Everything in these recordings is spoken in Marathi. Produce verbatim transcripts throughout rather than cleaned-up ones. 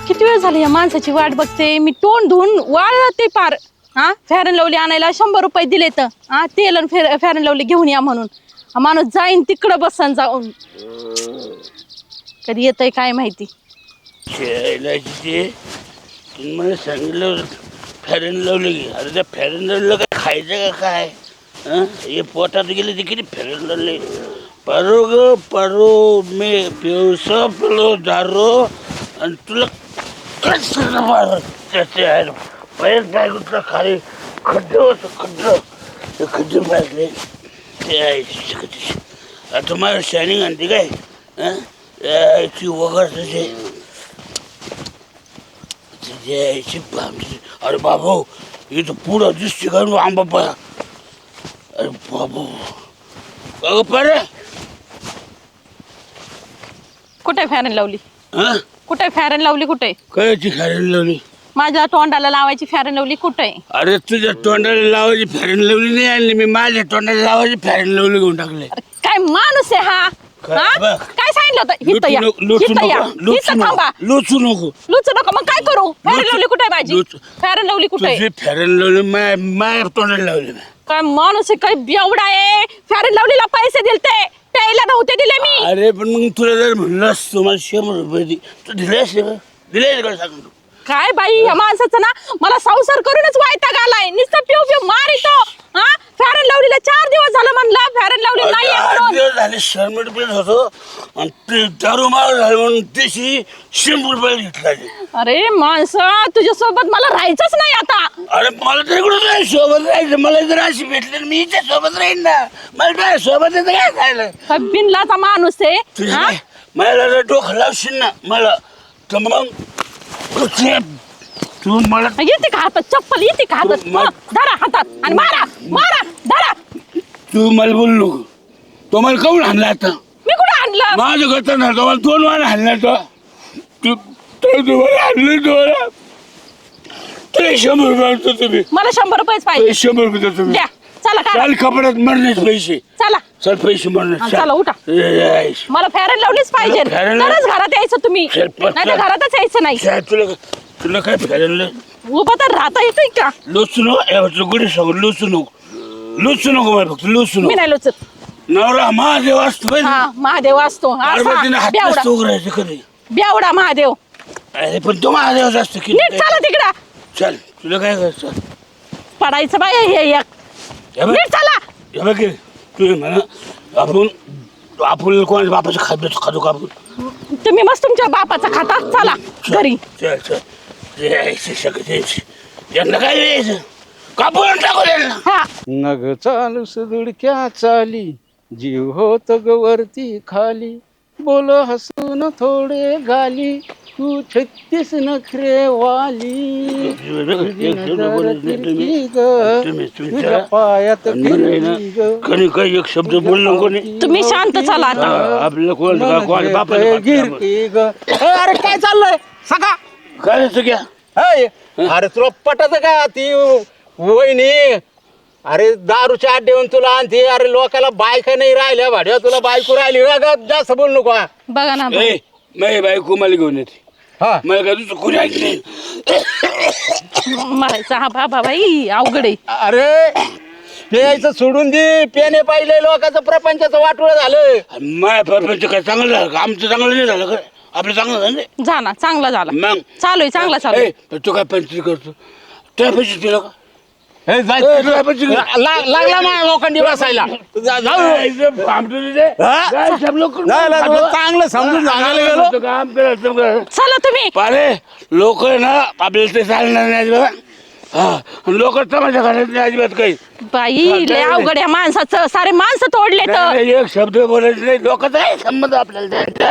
किती वेळ झाली या माणसाची वाट बघते मी तोंड धुवून वाळते पार हा फेअर लवली आणायला शंभर रुपये दिले तर हा तेल आणि फेअर लवली घेऊन या म्हणून हा माणूस जाईन तिकडं बसन जाऊन कधी येतंय काय माहिती मला सांगितलं फेअर लवली अरे त्या फेअर लवलीला काय खायचं का काय हे पोटात गेले ते किती फेअर लवली परो ग परो मी पिवसा पिलो दारो आणि तुला कसं मार त्याचे आहे पहिल्याच बायकोतला खाली खड्डं होतं खड्डं ते खड्डे मारले ते आहे आता मला शायनिंग आणते काय याची वगैरे त्याचे त्याची यायची अरे बाबू इथं पुढं दिसते का आंबा पाया अरे बाबू अगं पारे कुठे फॅरन लावली हा कुठे फॅरन लावली कुठे कायची फॅरन लावली माझ्या तोंडाला लावायची फॅरन लावली कुठे अरे तुझ्या तोंडाला लावायची फॅरन लावली नाही आणली मी माझ्या तोंडाला लावायची फॅरन लावली घेऊन टाकले काय माणूस आहे हा हा? काय सांगितलं होतं हिथं या, लुचू हिथं या, नको हिथं थांबा लुचू नको लुचू नको मग काय करू फॅरन लावली कुठे माझी लुचू. फॅरन लावली कुठे तुझी फॅरन लावली माय माझ्या तोंडाला लावली काय माणूस आहे काय बेवडा आहे फॅरन लावलीला पैसे दिलते प्यायला नव्हते दिले मी अरे पण मग तुला जर म्हणलंस तुम्हाला शंभर रुपये दे तू दिले असते का दिले का सांग तू काय बाई या माणसाचं ना मला संसार करूनच वैताग आलाय नुसतं पिऊ पिऊ मार येतो हा फॅरन लावलीला चार दिवस झालं म्हणलं फॅरन लावली नाही आठ दिवस झाले शंभर रुपये होतो आणि ते दारू मार झाले म्हणून त्याची शंभर रुपये घेतला अरे माणसं तुझ्या सोबत मला राहायचंच नाही आता अरे मला तर इकडून नाही सोबत राहायचं मला जर अशी भेटली मी इथे सोबत राहीन ना मला काय सोबत येतं काय खायला काय बिनलाचा माणूस आहे तुझ्या हा? काय मला जर डोकं लावशील ना मला तर मग तू मला येते का हातात चप्पल येते का हातात तू मा- हा, धरा हातात आणि मारा मारा धरा तू मला बोलू नको तो मला काऊन हाणला आता मी कुठं आणलं माझं घरचा ना तो मला दोन वार हाणला तो तू तो तुम्हाला हाणलं तुम्हाला ते शंभर रुपये आणतो तुम्ही मला शंभर रुपयेच ते पाहिजे शंभर रुपये देतो तुम्ही द्या चला का चाल कपड्यात मरण्याचे पैसे चला चल पैसे हा, मरण्याचे चला, उठा. मला फेअर लावलीच पाहिजे मला fair and तरच घरात यायचं तुम्ही चल, पटकन. नाही तर घरातच यायचं नाही काय तुला तुला काय फिरायला उभं तर राहता येतंय का लोचू नको गुढी सांगू लोचू नको लोचू नको मला फक्त लोचू मी नको नाही लोचत नवरा महादेव असतो पाहिजे हा महादेव असतो असा, पार्वतीने हात बेवडा नसतो उघडायचं कधी बेवडा महादेव अरे पण तो महादेवच असतो की नीट चला तिकडं चल तुला काय करायचं पडायचं बाय हे एक हे बघ नीट चला हे बघ की, तू म्हणा आपण आपण कोणाच्या बापाचं खाद्य खातो का आपण तुम्ही मस्त तुमच्या बापाचा खाता चला घरी चल चल यायचं सगळं यायचं यांना काय यायचं कापून टाकू त्यांना हा नग चालू सुदुडक्या चाली जीव होत गवरती खाली बोल हसून थोडे गाली तू छत्तीस नखरे वाली तुझी नजर तिरकी ग, तुझ्या पायात फिरकी ग. कधी काही एक शब्द बोललो कोणी तुम्ही शांत चला आता हा, आपलं कोण कोण बापाला गिरकी ग. ए, अरे काय चाललंय सका काय असं घ्या अरे तुला पटत का ती वहिनी अरे दारूच्या आड देऊन तुला आणते अरे लोकाला बायका नाही राहिल्या भाड्या तुला बायको राहिली रा ग, जास्त बोल नको हा. बघा ना ए माझी बायको मला घेऊन येते हा मला काय तुझं कुणी ऐकले मरायचा हा बाबा बाई अवघड आहे अरे प्यायचं सोडून दे पेने पाहिले लोकांचं प्रपंचाचं वाटोळं झालं माझ्या परपंच काय चांगलं झालं का आमचं चांगलं नाही झालं का आपलं चांगलं झालं नाही जा ना चांगला झाला मग चालू आहे चांगला चालू आहे. ए, पण तू काय पंचायत करतो त्या पैसे पिलं का हे जाय- ए, तुला पण चिकन- ला- लागला माझ्या लोकांनी बसायला जा- जाऊ. इथं भामटं तिथे. हा? काय सब लोक नाही, नाही, तुला चांगलं समजून सांगायला गेलो काम करायचं कर. चला तुम्ही पारे लोक ना आपल्याला ते चालणार नाही अजिबात हा लोक तमाशा करत नाही अजिबात काही बाई लय अवघड आहे माणसाचं सारे माणसं तोडले तर नाही, एक शब्द बोलायचं नाही लोकांचा काय संबंध आपल्याला त्या-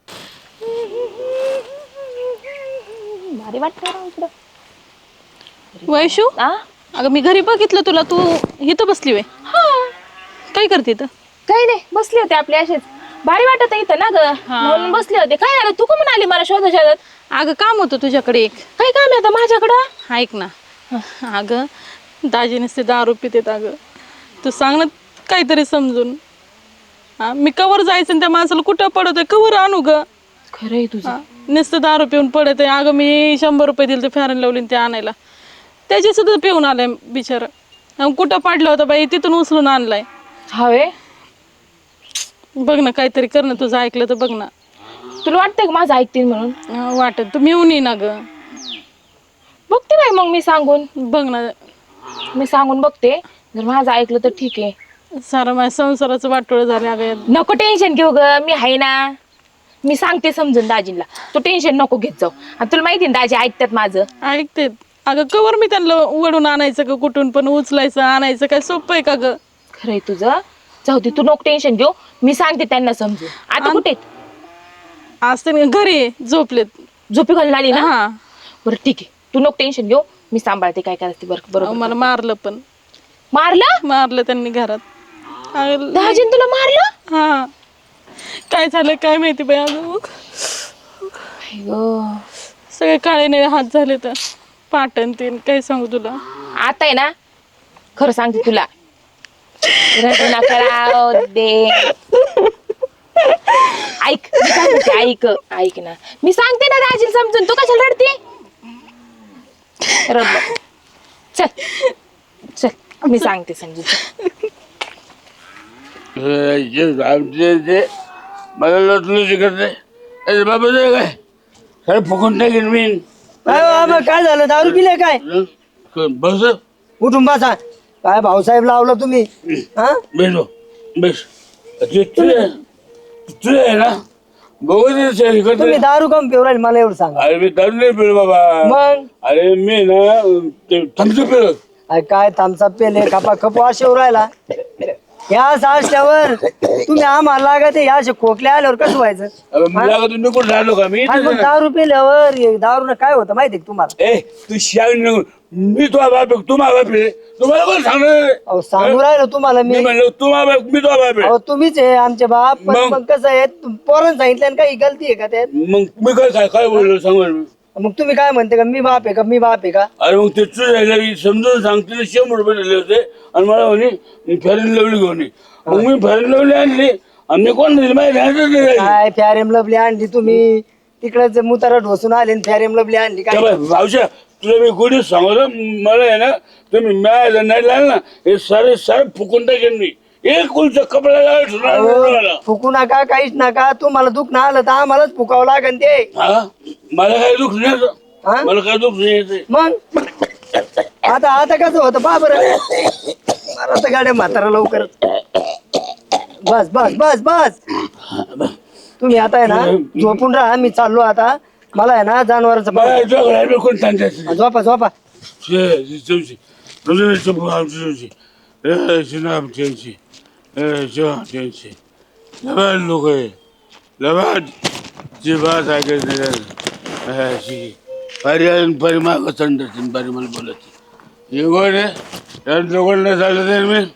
भारी वाटतं वैशू अगं मी घरी बघितलं तुला तू इथं बसली वे काय करते इथं काही नाही बसले होते आपले असेच भारी वाटत आहे इथं ना ग म्हणून बसले होते काय झालं तू कमून आली मला शोधा शोधत अगं काम होतं तुझ्याकडे एक काय काम आहे आता माझ्याकडं ऐक ना अगं दाजी नसते दारू पितेत अगं तू सांग ना काहीतरी समजून हा मी कवर जायचं आणि त्या माणसाला कुठं पडवतोय कवर आणू ग खरं आहे तुझं. हा, नुसतं दारू पिऊन पडत आहे. अगं मी शंभर रुपये दिले ते फेअर अँड लवली ते आणायला, त्याची सुद्धा पिऊन आलाय बिचारा. अन कुठं पाडलं होतं बाई, तिथून उचलून आणलाय. हवे बघ ना, काहीतरी कर ना, तुझं ऐकलं तर बघ ना. तुला वाटतंय का माझं ऐकतील म्हणून? हा, वाटत तू मिळून ये ना ग. बघते बाई मग मी सांगून बघ ना, मी सांगून बघते. जर माझं ऐकलं तर ठीक आहे. सारं माझ्या संसाराचं वाटोळं झालं अगं. नको टेन्शन घेऊ ग, मी आहे ना. मी सांगते समजून दाजींला, तू टेन्शन नको घेत जाऊ. आणि तुला माहिती ना दाजी ऐकतात माझं. ऐकते अगं, कवर मी त्यांना उडून आणायचं का, कुठून पण उचलायचं आणायचं, काय सोपं आहे का ग? खरंय तुझं. जाऊ दे, तू नको टेन्शन घेऊ. मी सांगते त्यांना समजून. आता कुठे आहेत? आज ते घरी आहे, झोपलेत. झोपी घालून आली ना? हा. बरं ठीक आहे, तू नको टेन्शन घेऊ. मी सांभाळते काय करायचं. बरं अहो, बरोबर. मला मारलं पण मारलं? मारलं त्यांनी घरात. अगं, दाजीन तुला मारलं? हा, काय झालं काय माहिती बाई. अगं अय्यो. सगळे काळे निळे हात झाले तर पाटण तीन, काय सांगू तुला. आता आहे ना, खरं सांगते तुला. रडू नका राव दे. ऐक मी काय म्हणते, ऐक ऐक ना, मी सांगते ना दाजीला समजून. तू कशाला रडते? रड नको. चल चल, मी सांगते समजून. आमचे ते मला लटलं शिकत नाही. अरे बाबा ते काय खरं फुकून टाकेन मी. काय बाबा काय झालं, दारू पिले काय? बस उठून बसा. काय भाऊसाहेब लावलं तुम्ही? हा बेस बेस तुझे तुझे आहे ना बघू तुम्ही दारू कम पिऊ राहिले मला एवढं सांगा. अरे मी दारू नाही पिलो बाबा. मग अरे मी ना ते थम्सअप पिलो. अरे काय थांबचा पेले खपा खपू असे राहिला. या असल्यावर तुम्ही आम्हाला लागत या असे खोकले आल्यावर कसं व्हायचं? मला का तुम्ही कुठं राहिलो का मी? आणि मग दारू पिल्यावर दारू काय होतं माहितीये का तुम्हाला? ए तू शाळेत नको. मी तुझा बाप आहे, तू माझा बाप आहे. तुम्हाला कोण सांगणार? अहो सांगू राहिलो तुम्हाला मी मी. म्हणलो तू माझा बाप, मी तुझा बाप आहे. अहो तुम्हीच आहे आमचे बाप. पण मग? मग कसं आहे, पोरांनी सांगितलं आणि काही गलती आहे का त्यात? मग मी काय काय काय बोललो सांग. मग तुम्ही काय म्हणते का मी बाप आहे का मी बाप आहे का? अरे मग ते तुझ्या समजून सांगते शंभर रुपये दिले होते आणि मला म्हणे फॅरन लवली घेऊन ये. मग मी फॅरन लवली आणली आणि मी कोण दिली माहिती आहे? काय फॅरेम लवली आणली तुम्ही? तिकडे मुतारा ढोसून आले आणि फॅरेम लवली आणली काय? भावशा तुला मी गोडी सांगतो. मला आहे ना तुम्ही मिळायला नाही लागलं ना, हे सारे सारे फुकून टाकेन मी. एक कुलचा कपडा अहो, फुकू नका काहीच नका. तुम्हाला दुःख ना आलं तर आम्हालाच फुकावं लागेल ते. हा मला काय दुःख नाही येत. हा? मला काय दुःख नाही येत. मग आता आता कसं होतं बा बरं. मला तर गाड्या म्हातारा लवकर. बस बस बस बस तुम्ही आता आहे ना झोपून राहा. मी चाललो आता. मला आहे ना जनावरांचं मला जोग कोण सांगायचं. झोपा झोपा. चौशी चौशी चौशी चौशी लबाड लोक आहे. लबाड जी बात ऐकायची पर्याय परिमाग संडतील परी मला बोलायची. हे गोड आहे त्या लोकांना चाललं तर मी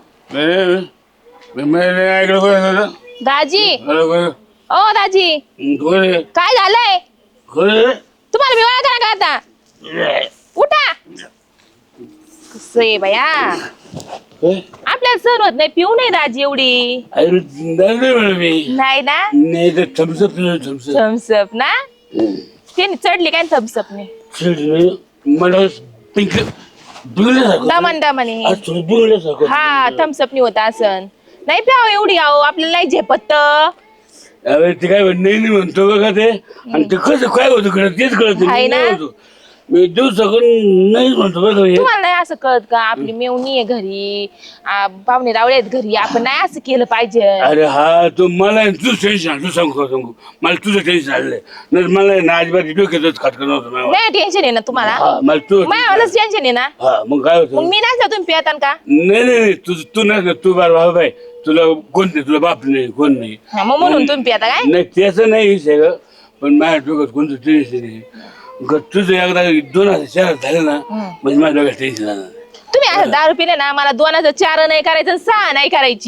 मी नाही ऐकलं कोण दाजी बरोबर. ओ दाजी, कोण आहे काय झालंय? कोण आहे? तुम्हाला मी ओळखा का आता? उठा. कसं आहे बया, काय? आपल्याला सहन होत नाही. पिऊ नाही दाजी एवढी. अरे नाही म्हणलं मी. नाही ना? नाही तर थम्सअप थम्सअप थम्सअप ना? त्यांनी चढली काय थम्सअपने? मला पिंक बिघडल्यासारखं दमन दमने. आज थोडं बिघडल्यासारखं. हा थम्सअपनी होता असन. नाही प्याव एवढी आहो, आपल्याला नाही झेपत. अरे ते काय म्हण- नाही नाही म्हणतो बघा ते. आणि ते कसं काय होतं कळत तेच कळत आहे ना? मी दिवसाकडून नाहीच म्हणतो बरं का हे. तुम्हाला नाही असं कळत का? आपली मेवणी आहे घरी, आ, पाहुणे रावळे आहेत घरी, आपण नाही असं केलं पाहिजे. अरे हा तू मला आहे ना, तुझं टेन्शन तू सांगू सांगू मला तुझं टेन्शन आलंय. नाही मला आहे ना अजिबात डोक्यातच खटकन नव्हतं मला. नाही टेन्शन आहे ना तुम्हाला? हा मला तू माझ्यावरच टेन्शन आहे ना? हा मग काय होतं? मग मी नाही तुम्ही पियातान का? नाही नाही नाही तू तू नाही तू बार भाऊ बाई तुला कोण नाही, तुला बाप नाही कोण नाही. हा, मग म्हणून तुम्ही पियाता काय? नाही त्याचं नाही विषय ग. पण माझ्या डोक्यात कोणतं टेन्शन नाही. ग- तुझं एकदा दोन हजार चार झालं ना म्हणजे माझ्या डोक्यात टेन्शन आलं. तुम्ही असं दारू पिले ना, मला दोन हजार चार नाही करायचं, सहा नाही करायची.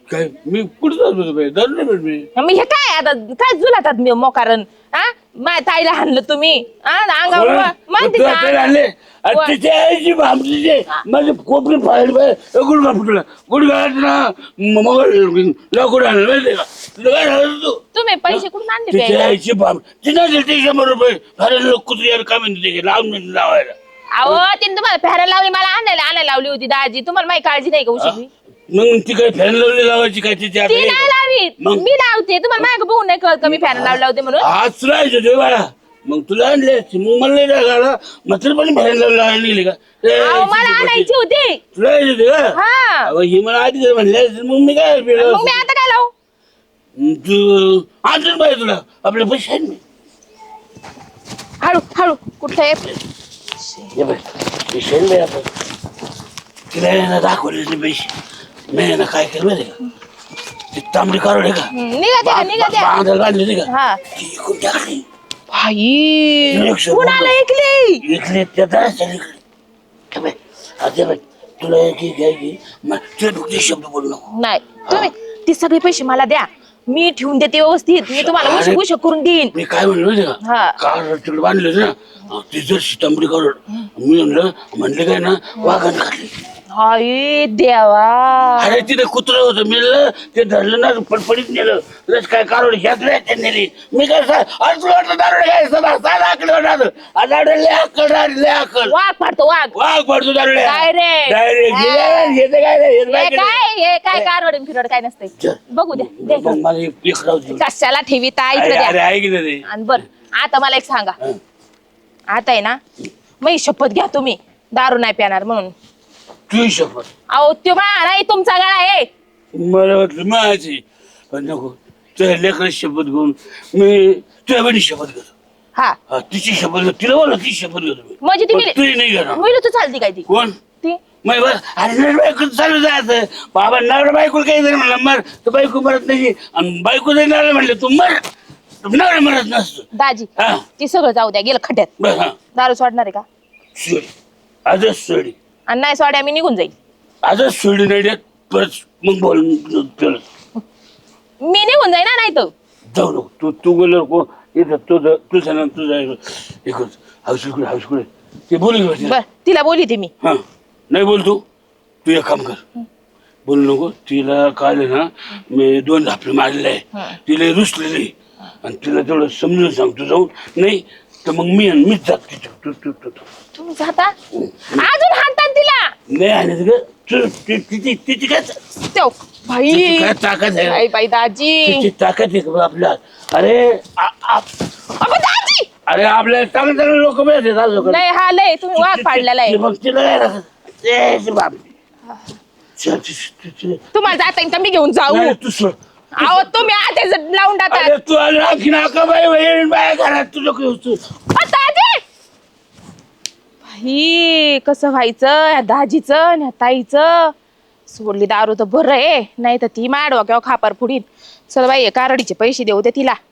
काय मी कुठं जातो बाई धरलं भेट मी मी हे काय आता काय जुलातात मी मोकारण हा माझ्या ताईला हाणलं तुम्ही हा अंगावर माहिती तुला तरी आणले आणि तिच्या आईची भामटीचे माझे कोपरी फाईल बाय गुडघा फुटला गुडघा ना मग लाकूड आणलं माहिती का तुला काय झालं तू तुम्ही पैसे कुठून आणले तिच्या प्यायला? आईची भाम तिला दिले शंभर रुपये फार लोक कुत्री यार काय म्हणते लावून म्हणते लावायला अहो तिने तुम्हाला फेरायला लावली मला आणायला आणायला लावली होती दाजी तुम्हाला माहिती काळजी नाही का उशी मग ती काय फॅन लावली लावायची काय तिच्या ती नाही लावीत मग? मी लावते तुम्हाला माग बघून नाही कळत का मी फॅन लावला होते म्हणून आज राहायचं ते बाळा मग तुला आणले असते मग मला नाही रागाला मात्र पण फॅन लावला निघली का ए, अहो मला आणायची होती तुला यायची होती का हा अहो, ही मला आधी जर म्हणले असते, मग मी काय केलं मग मी आता काय लावू तू आणून पाहिजे तुला आपले पैसे आहेत मी हळू हळू कुठे हे बघ पैसे आहेत बाई आपण तिला आहे ना दाखवले नाही पैसे मी आहे ना काय केलं माहिती का ती तांबडी काढून आहे का निघा द्या निघा द्या बांधायला बांधली नाही का हा ती इकडून टाकली भाई कुणाला ऐकली इकडे त्या दाराच्या इकडे आता बघ तुला एक एक आहे की मग तुला फक्त शब्द बोलू नको नाही तुम्ही ते सगळे पैसे मला द्या मी ठेवून देते व्यवस्थित मी तुम्हाला उशी उशी करून देईन मी काय म्हणलो माहिती हा. का कार तिकडे बांधले ना ती जर तांबडी काढून मी म्हणलं म्हणले काय ना वाघाने खाल्ली हाय देवा अरे तिथे कुत्र होतं मिळलं ते धरलं ना पडपडीत नेलं रस काय काढून ह्यात ह्यात नेली मी काय सा- अरे तुला वाटलं दारू काय सदा साधा आकडे होणार दारू लय आकड लय आकड वाघ पाडतो वाघ वाघ पडतो दारू Direct. डायरेक्ट घेते काय नाही, हेच हे बाकी नाही. काय हे काय कारवड फिरवड काय नसतंय चल. बघू द्या द्या मग इकडं. मला एक एक राहू दे. कशाला ठेवी ता इकडे अरे अरे द्या ऐक ना ते आणि बर आता मला एक सांगा हं. आता आहे ना मी शपथ घ्या तुम्ही दारू नाही पिणार म्हणून तू शपथ अहो तो बाळा नाही तुमचा गळा आहे मला वाटलं माझी पण नको तुझ्या लेकराची शपथ घेऊन मी तुझ्या बहिणी शपथ घेतो हा हा तिची शपथ घेतो तिला बोला ती शपथ घेतो मी म्हणजे ती पण मिली- तुझी नाही घेणार मुलं तू चालती काय ती कोण ती मग बस अरे नवरा बायको चालू जायचं बाबा नवरा बायको काही जरी म्हणलं मर तर बायको मरत नाही आणि बायको जरी नवरा म्हणलं तू मर तर नवरा मरत नसतो दाजी हा ती सगळं जाऊ द्या गेलं खड्ड्यात बस हा दारू सोडणार आहे का सोडी आजच सोडी आणि नाही सोड्या मी निघून जाईल आजच सोडी नाही देत परत मग बोल परत मी निघून जाईन ना नाही तर जाऊ नको तू तू गेल्यावर को येतं तुझं तुझं ना तुझं एकच हाऊसकुडे हाऊसकुडे ते बोलू घे बर तिला बोली ते मी हा नाही बोल तू तू एक काम कर बोलू नको तिला काल ना मी दोन झापले मारलेले आहे तिला रुसलेली आणि तिला तेवढं समजून सांगतो जाऊन नाही तर मग मी आणि मीच जात तिथं तू तू तू तू तुम्ही जाता अजून हाणतात तिला नाही आणि ग तू ती- तिची तिची काय त्यो भाई तिची काय ताकद आहे बाई बाई दाजी तिची ताकद आहे का आपल्या अरे आ- आ- अबे दाजी अरे आपल्या चांगले चांगले लोक मिळतात अजून नाही हा लय तुम्ही वाघ पाडलेला आहे मग तिला काय राहत? ए, ती बाप. च- च- च- च- तुम्हाला जाता येईल तर मी घेऊन जाऊ नाही, तू सोड. अहो तुम्ही आधीच लावून टाकता अरे तू आली आणखी नाका बाई बहीण बाय घरात तुझं काही होतं. अ, दाजी भाई कसं व्हायचं ह्या दाजीचं आणि ह्या ताईचं सोडली दारू तर बरं आहे नाही तर ती माडवा किंवा खापर फुडीन चल बाई हे कारडीचे पैसे देऊ दे तिला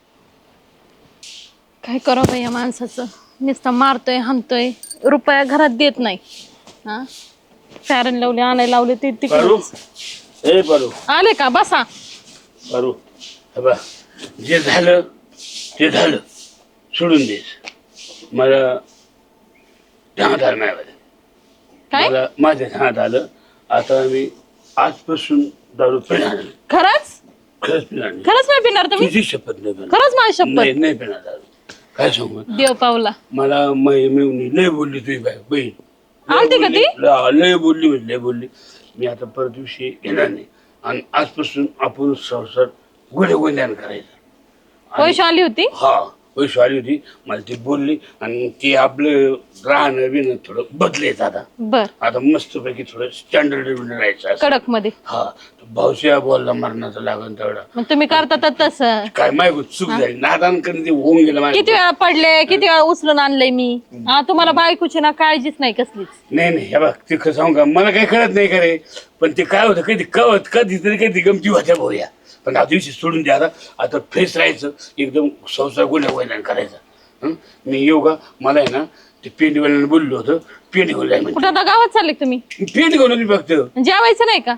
काय करावं बाई या माणसाचं नुसतं मारतोय हाणतोय रुपया घरात देत नाही हा फॅरन लावले आणायला लावले ते पारू तिकडे ए पारू आले का बसा पारू हे बघ, जे झालं ते झालं सोडून दे मला ध्यानात आलं नाही बरं. काय मला माझ्या ध्यानात आलं आता मी आजपासून दारू पिणार नाही. खरंच खरंच पिणार नाही खरंच नाही पिणार तुम्ही तुझी शपथ नाही पिणार. खरंच माझी नाही शपथ नाही पिणार दारू काय सांगू देव पावला मला मै मिळून लय बोलली तुझी बाय बहीण लय आलती का बोलली, ती? लय लय बोलली म्हणजे लय बोलली मी आता परत दिवशी येणार नाही आणि आजपासून आपण संसार गुढे गोंध्यान करायचं पैसे आली होती हा पैसे आली होती मला ती बोलली आणि ती आपलं राहणं बिणं थोडं बदलायचं आता बर आता मस्तपैकी थोडं स्टँडर्ड राहायचं असं. कडक मध्ये हा भाऊशिया बोलला मरणाचं लागन तेवढा मग तुम्ही करता तर तसं काय माहिती चूक झाली नादान करून ते होऊन गेलं किती माहिती वेळा पडले किती वेळा उचलून आणलंय मी हा तुम्हाला बायकोची ना काळजीच नाही कसलीच नाही नाही हे बघ ते खरं सांगू का मला काही कळत नाही का रे पण ते काय होतं कधी कवत कधीतरी कधी गमती होत्या भाऊया पण आता दिवशी सोडून द्या आता आता फ्रेश राहायचं एकदम संसार गुन्हा वैलान करायचा हं? मी येऊ का मला आहे ना ते पेंडीवाल्यानं बोललो होतं पेंडी घेऊन जाय म्हणजे कुठं आता गावात चालले का तुम्ही पेंडी घेऊन मी फक्त जेवायचं नाही का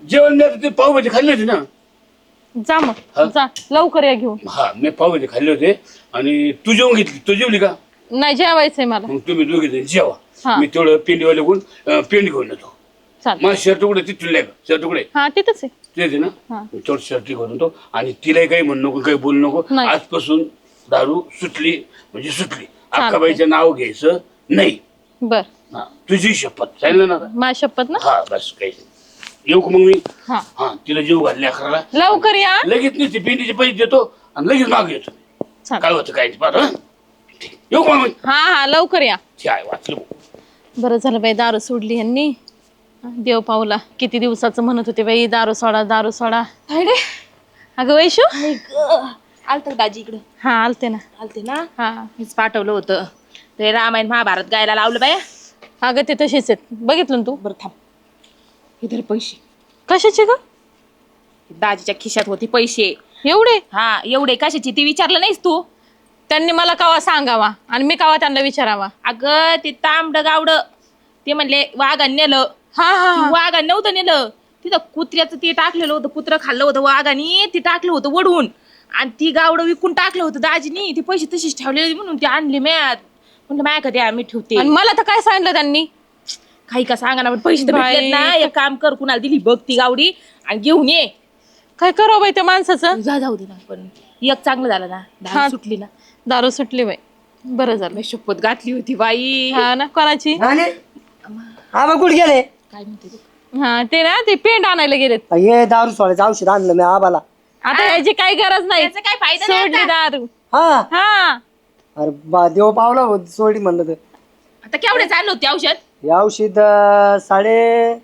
जेवण मी आता ते पावभाजी खाल्ली होती ना. जा मग जा लवकर या घेऊन. हा मी पावभाजी खाल्ली होते आणि तू जेवण घेतली. तू जेवली का? नाही जेवायचंय मला. मग तुम्ही दोघे जण जेवा. हा. मी तेवढं पेंडीवाले कोण पेंड घेऊन येतो. चालेल. मग शर्ट तुकडे तिथून नाही का? शर्ट तुकडे हा तिथंच आहे. तेच आहे ना. हा. तेवढं शर्ट घेऊन येतो आणि तिलाही काही म्हणू नको काही बोलू नको. नाही. आजपासून दारू सुटली म्हणजे सुटली. चालतंय. अक्काबाईचं नाव घ्यायचं नाही. बर हा तुझी शपथ सांगितलं ना. माझी शपथ ना. हा बस काही येऊ का मग मी. हा हा तिला जेव घालले अकराला. लवकर या. लगेच नाही ते पेंडीचे पैसे देतो आणि लगेच माग येतो. चालेल. काय होतं काय पाहतो. ठीक. येऊ का मग मी. हा हा लवकर या. ते आहे वाचलं. बरं झालं बाई दारू सोडली यांनी. देव पावला. किती दिवसाचं म्हणत होते बाई दारू सोडा दारू सोडा. अरे अगं वैशू आलत दाजी इकडं. हा आलते ना. आलते ना. हा मीच पाठवलं होतं ते रामायण महाभारत गायला लावलं बाया. अगं ते तसेच आहेत बघितलं ना तू. बरं थांब इधर पैसे. कशाचे ग? दाजीच्या खिशात होते पैसे. एवढे? हा एवढे कशाची ती विचारलं नाहीस तू. त्यांनी मला कवा सांगावा आणि मी कवा त्यांना विचारावा. अगं ते तांबड गावड ते म्हणले वाघान नेलं. हा हा हा. वाघान नव्हतं नेलं. तिथं कुत्र्याचं ते टाकलेलं होतं. कुत्रं खाल्लं होतं वाघानी. ते टाकलं होतं वडून आणि ती गावडं विकून टाकलं होतं दाजीनी. ते पैसे तशीच ठेवले म्हणून ते आणले म्यात. म्हणलं माया कधी आम्ही ठेवते. आणि मला तर काय सांगितलं त्यांनी. काही का सांगा ना पण पैसे तर बाई. भेटलेत ना. एक काम कर कुणाला दिली बघ ती गावडी आणि घेऊन ये. काय करावं बाई त्या माणसाचं. जा जाऊ दे ना पण एक चांगलं झालं ना. हा. दारू सुटली ना. दारू सुटली बाई. बरं झालं. मी शपथ घातली होती बाई. हा ना कोणाची. आणि हा मग कुठे गेले? काय म्हणते तू? हा ते ना ते पेंट आणायला गेलेत. हे दारू सोडायचं औषध आणलं मी आबाला. आता याची काही गरज नाही. याचा काय फायदा नाही सोडली आता. दारू. हा हा अरे बा देव पावला होत सोडी म्हणलं तर. आता केवढे चाललं होते औषध. हे औषध अं, साडे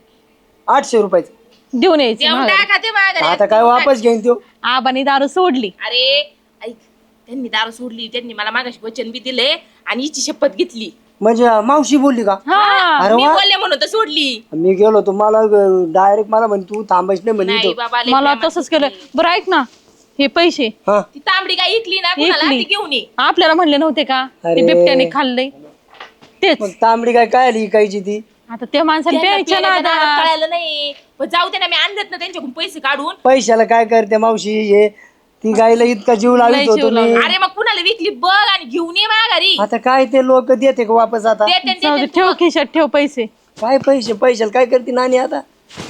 आठशे रुपयाचं. देऊन यायचं देऊन महागाई. टाका ते माघारी. आता काय वापस घेईन तो. आबानी दारू सोडली. अरे ऐक त्यांनी दारू सोडली. त्यांनी मला मागाशी वचन बी दिले आणि हिची शपथ घेतली. म्हणजे मावशी बोलली का? हा अरे मी वा बोलले म्हणून तर सोडली. मी गेलो तो मला डायरेक्ट मला म्हणे तू थांबायच नाही म्हणे नाही इथं. बाबा लय मला प्रेमात तसंच केलं. होती. बरं ऐक ना हे पैसे हा ती तांबडी काय इकली ना कुणाला इकली. ती घेऊन ये. आपल्याला म्हणले नव्हते का ते अरे. बिबट्याने खाल्ले तेच. मग तांबडी काय काय आली इकायची ती. आता त्या माणसाला त्यांना प्यायच्या ना प्यायला आता. कळालं नाही पण जाऊ दे ना. मी आणलेत ना त्यांच्याकडून पैसे काढून. पैशाला काय करते मावशी हे ती गायला इतका जीव लय लावित जीव होतो मी. लावला. अरे मग कुणाला विकली बघ आणि घेऊन ये माघारी. आता काय ते लोक देते का वापस आता. देते न जाऊ दे, देते ठेव तू बघ. खिशात ठेव पैसे. काय पैसे पैशाला काय करते नानी आता.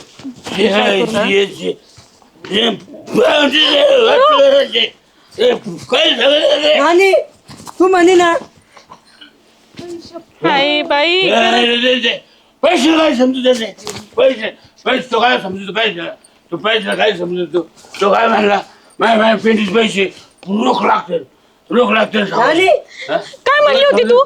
हे आहे, हे जे- हे बावडीचे वाटलं हे काय झालं रे? नानी तू म्हणे ना हाय बाई. हे रे रे. पैसे काय समजू त्याचे पैसे पैसे तो काय समजतो पैसे तू पैसे काय समजतो तो काय म्हणला माय माय पेंटीचे पैसे रोख लागते रोख लागते नानी काय म्हणली होती तू.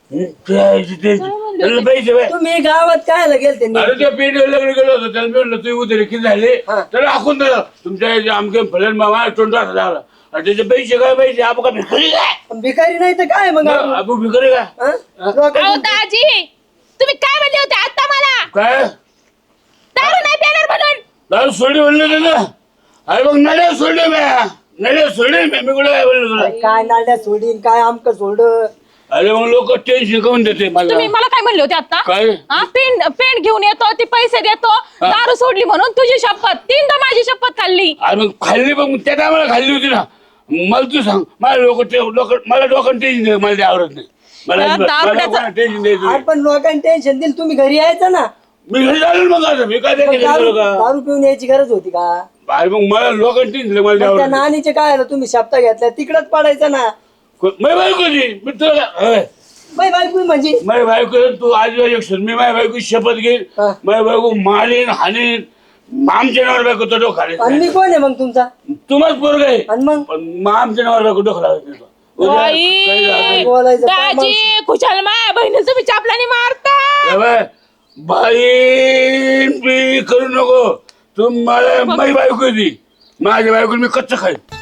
त्याला पैसे बाय. तुम्ही गावात काय गेलते अरे त्या पेंटीवर लग्न गेलो होतो त्याला मी म्हणलं तू उद्या किती झाले हा. त्याला हाकून दिलं तुमच्या आमके फलन मामा तोंडात झाला आणि त्याचे पैसे काय पैसे आपण का भिकारी काय भिकारी नाही तर काय मग आपण? आपण भिकारी काय हा? लोकं- अहो दाजी तुम्ही काय म्हणले होते आता मला. काय दारू नाही देणार म्हणून. दारू सोडली म्हणलं ना अरे मग नड्या सोडले म्या नड्या सोडले म्या मी कुठे काय बोललो तुला काय नाल्या सोडीन काय आमक सोड. अरे मग लोक टेन्शन काऊन देते मला तुम्ही मला काय म्हणले होते आता. काय हा पेंट पेंट घेऊन येतो ती पैसे देतो दारू सोडली म्हणून तुझी शपथ. तीनदा माझी शपथ खाल्ली. अरे मग खाल्ली मग त्या टायमाला खाल्ली होती ना मला तू सांग मला लोक लोक मला लोकांना टेन्शन द्यायचं मला ते आवडत नाही मला या अजिबात- मला दारुड्याचं- कोणाला टेन्शन द्यायचं नाही. आपण लोकांनी टेन्शन दिलं तुम्ही घरी यायचं ना. मी घरी झालो मग आता मी काय मग ते दारू केलं का दारू पिऊन यायची गरज होती का. अरे मग मला लोकांना टेन्शन द्यायचं, मला ते मग त्या आवडत नाही. नानीचे काय आलं तुम्ही शब्द घेतल्या तिकडच पडायचं ना. को- माझी बायको होती मी तुला काय- बाई बायको म्हणजे माझी बायको तू आज एक क्षण मी माझ्या बायको शपथ घेईन हा. माझी बायको मारीन हानीन आमच्या नावावर बायको तो डोका आणि खाली मी कोण आहे मग तुमचा. तुम्हाच पोरग आहे आणि मग पण मग आमच्या नावावर बायको डोका लागत नाही. उद्या बाई. काही झालं बोलायचं काय मग? दाजी खुशाल माया बहिणीला तुम्ही चापलाने मारता. नाही. बाय बाई मी करू नको तू मला माझी बायको होती माझ्या बायको मी कच्च खाईन